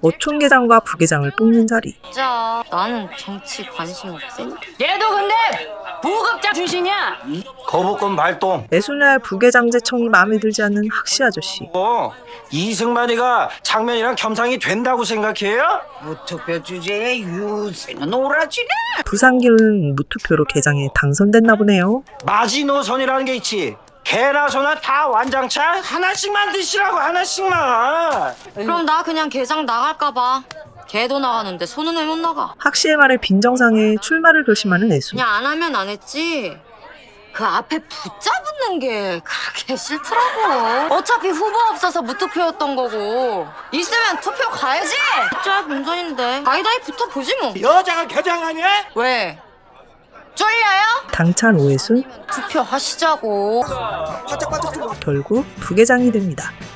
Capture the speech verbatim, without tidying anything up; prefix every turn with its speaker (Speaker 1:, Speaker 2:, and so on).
Speaker 1: 어촌계장과 부계장을 뽑는 자리.
Speaker 2: 진짜 나는 정치 관심 없음.
Speaker 3: 얘도 근데 부급자 출신이야.
Speaker 4: 거부권 발동.
Speaker 1: 애순날 부계장제청이 마음에 들지 않는 학시 아저씨.
Speaker 4: 어, 이승만이가 장면이랑 겸상이 된다고 생각해요?
Speaker 5: 무투표 주제에 유세는 오라지네.
Speaker 1: 부산기는 무투표로 계장에 당선됐나 보네요.
Speaker 4: 마지노선이라는 게 있지. 개나 소나 다 완장차 하나씩만 드시라고, 하나씩만.
Speaker 2: 그럼 나 그냥 개장 나갈까봐. 개도 나가는데 소는 왜 못 나가?
Speaker 1: 학시의 말에 빈정상해 출마를 결심하는 애순.
Speaker 2: 그냥 안 하면 안 했지. 그 앞에 붙잡는 게 그렇게 싫더라고. 어차피 후보 없어서 무투표였던 거고. 있으면 투표 가야지. 진짜 본전인데. 가이다이 붙어보지 뭐.
Speaker 4: 여자가 개장하냐?
Speaker 2: 왜? 쫄려요?
Speaker 1: 당찬 오애순
Speaker 2: 투표하시자고.
Speaker 1: 결국 부계장이 됩니다.